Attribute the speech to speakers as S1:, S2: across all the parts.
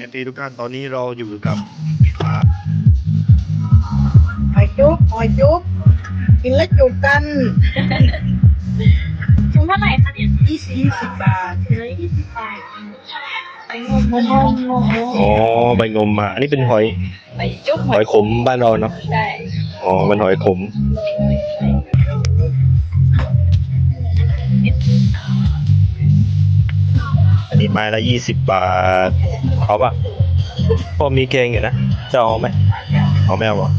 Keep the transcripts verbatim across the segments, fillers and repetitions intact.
S1: ทีทุกท่านตอนนี้เราอยู่กับ
S2: หอยจุ๊บหอยจุ๊บกินแล้วจุบกัน
S3: ถุงเท่าไหร่คะเนี่ย
S2: ยี่สิบยี่สิบบาท
S3: ถุงละยี่สิบบาทไปงมงมงม
S1: อ๋อใบงมมาอันนี้เป็นหอย
S3: ไปจุ๊บ
S1: หอยขมบ้านเราเนาะ
S3: ได้
S1: อ๋อมันหอยขมอันนี้ไม้ละยี่สิบบาทเอาปะพ่อมีแกงอยู่นะจะเอาไหมเอาไม่เอาเหรอ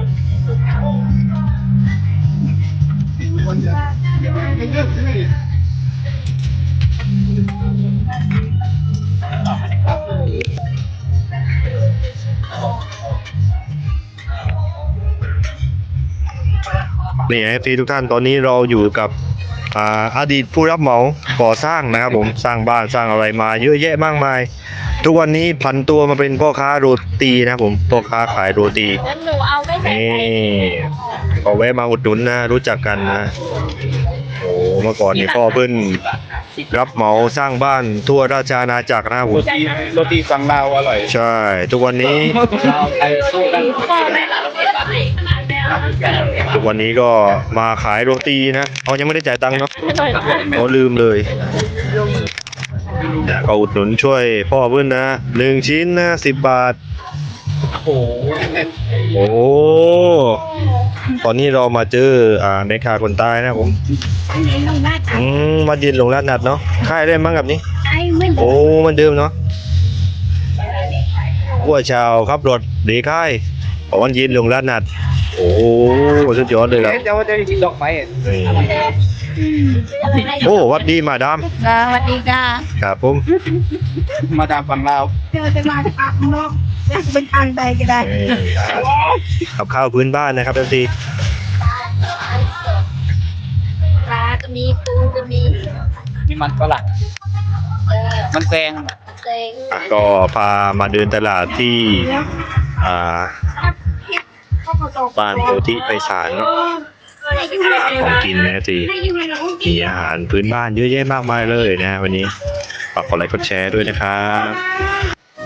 S1: นี่เอฟซีทุกท่านตอนนี้เราอยู่กับอ่าอดีตผู้รับเหมาก่อสร้างนะครับผมสร้างบ้านสร้างอะไรมาเยอะแยะมากมายทุกวันนี้ผันตัวมาเป็นพ่อค้าโรตีนะครับผมพ่อค้าขายโรตี
S3: งั้นหนูเอาไม่ใส่
S1: นี่
S3: ไข่
S1: ก็แวะมาอุดหนุนนะรู้จักกันนะโอ้เมื่อก่อนนี่พ่อเพิ่นรับเหมาสร้างบ้านทั่วราชอาณาจักรนะครับผม
S4: โรตีฝั่งลาวอร่อย
S1: ใช่ ทุกวันนี้
S4: ลาวไทยสู้กัน
S3: พ่อแม่เราเก็บไว้ขนาดแล้ว
S1: ทุกวันนี้ก็มาขายโรตีนะเอายังไม่ได้จ่ายตังค์เนาะ
S3: ไม่ต่อยนะ
S1: เขาลืมเลยก็อุดหนุนช่วยพ่อเพื่อนนะหนึ่งชิ้นนะสิบบาท
S4: โอ้โห
S1: โอ้ตอนนี้เรามาเจออ่าในขาคนตายนะครับผม
S3: อันนี้ลงหน้าตา
S1: อืมมายืนลงร้านนัดเนาะค่ายได้มั้งกับนี้
S3: ไอ้ไม่
S1: โอ้มันเดิมเนาะวัวชาวขับรถดีค่ายบอกวันยืนลงร้านนัดโอ้สุดยอดเลยครับ
S4: เดี๋ยวจะกินดอกไม้
S1: โอ้วัดดีมาดาม
S3: สวัสดีค่ะ
S1: ครับผม
S4: มาดามฝั่งลาว
S2: เจอจะมาจากปากนอกเป็นทางใดก็ได้
S1: กับข้าวพื้นบ้านนะครับเอฟซี
S3: ปลาก็มีปูก็มี
S4: มีมันฝรั่งมันแซง
S3: เต็ง
S1: อ่ะก็พามาเดินตลาดที่อ่าบ้านโพธิไพศาลเนาะของกินนะจีมีอาหารพื้นบ้านเยอะแยะมากมายเลยนะวันนี้ฝากกดไลค์กดแชร์ด้วยนะครับ